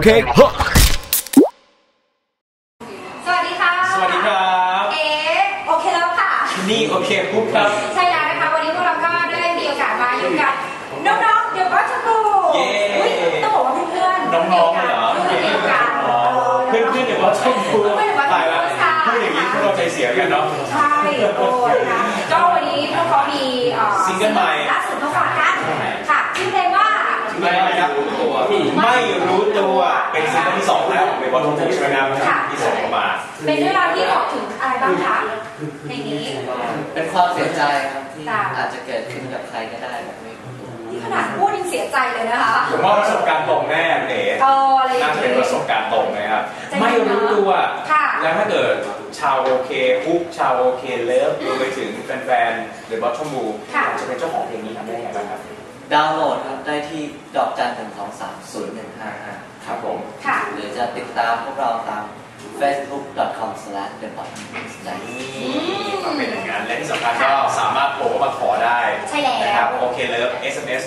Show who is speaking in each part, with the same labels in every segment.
Speaker 1: Okay.
Speaker 2: สวัสดีค่ะ
Speaker 3: สวัสดีครับ
Speaker 2: โอเคแล้วค่ะ
Speaker 3: นี่โอเคปุ๊บครับ
Speaker 2: ใช่แล้วนะคะวันนี้พวกเราก็ได้มีโอกาสมาอยู่กับน้องๆเดี๋ยวก็จะกูต้องบอกว่าเพื่อนๆ
Speaker 3: น้องๆเหรอ
Speaker 2: เพื่อนเดียวกัน
Speaker 3: เพื่อนๆเดี๋ยวว่าชมพูตายแล้วพูดอย่างนี้พวกเราใจเสียกันเนาะ
Speaker 2: ใช่โอ้ยนะก็วันนี้พวกเขามี
Speaker 3: ซิงเกิลใหม่
Speaker 2: ล่าสุดมาฝากกันค่ะชื่อเพลงว่า
Speaker 3: ไม่รู้ตัวไม่รู้ตัวเป็นซิงเกิลที่2แล้วในวันที่6ใช่ไหมครับที่ส่งออกมา
Speaker 2: เป็นเรื่องราวที่บอกถึงอะไรบ้างคะในนี้
Speaker 4: เป็นความเสียใจครับที่อาจจะเกิดขึ้นกับใครก็ได้แบบนี้
Speaker 2: ที่ขนาดพูดยังเสียใจเลยนะคะ
Speaker 3: ผมว่าประสบการณ์ตรงแน่เอ๋น่าจะเป็นประสบการณ์ตรงนะครับไม่รู้ตัวแล้วถ้าเกิดชาวโอเคคุกชาวโอเคเลิฟรวมไปถึงแฟนๆหรือบอทชมูจะเป็นเจ้าของเพลงนี้ทำได้ยังไงบ้างครับ
Speaker 4: ดาวน์โหลดครับได้ที่ดอกจัน 1230155
Speaker 3: ครับผม
Speaker 4: หรือจะติดตามพวกเราตาม facebook.com/thebotmix ได้
Speaker 3: เป็นอย่างนั้นและที่สำคัญก็สามารถโทรมาขอได้
Speaker 2: ใช่แล้ว
Speaker 3: นะครับโอเคเลิฟ SMS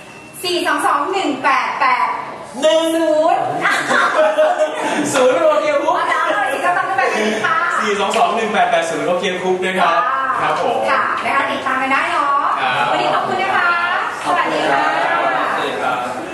Speaker 2: 4221880
Speaker 3: โอเคคุก
Speaker 2: ดาวน์โหลด4221880ค่ะ
Speaker 3: 4221880โอเคคุกนะครับครับผม
Speaker 2: ค่ะนะคะติดตามกันได้เนาะวันนี้ขอบคุณนะคะสวัสดีค่ะ